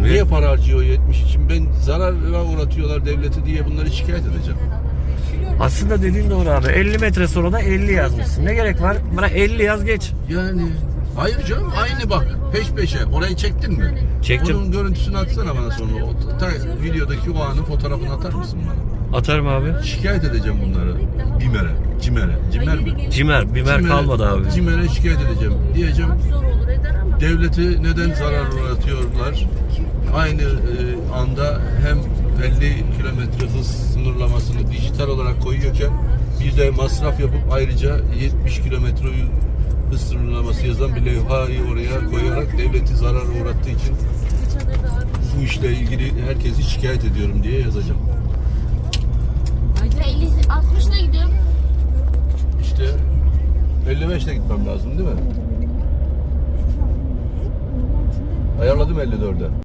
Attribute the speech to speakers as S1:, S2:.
S1: Niye para harcıyor 70 için? Ben zarara uğratıyorlar devleti diye bunları şikayet edeceğim.
S2: Aslında dediğin doğru abi. 50 metre sonra da 50 yazmışsın. Ne gerek var? Bana 50 yaz geç.
S1: Yani hayır canım, aynı bak peş peşe. Orayı çektin mi?
S2: Çektim.
S1: Onun görüntüsünü atsana bana sonra. Videodaki o anın fotoğrafını atar mısın bana?
S2: Atarım abi.
S1: Şikayet edeceğim bunları. Cimer mi?
S2: Bimer kalmadı abi.
S1: Cimer'e şikayet edeceğim. Diyeceğim devleti neden zarar uğratıyorlar? Aynı anda hem 50 kilometre hız sınırlamasını dijital olarak koyuyorken bir de masraf yapıp ayrıca 70 kilometre hız sınırlaması yazan bir levhayı oraya koyarak devleti zarar uğrattığı için bu işle ilgili herkesi şikayet ediyorum diye yazacağım.
S3: 60'la gidiyorum.
S1: İşte 55'le gitmem lazım değil mi? Ayarladım 54'e.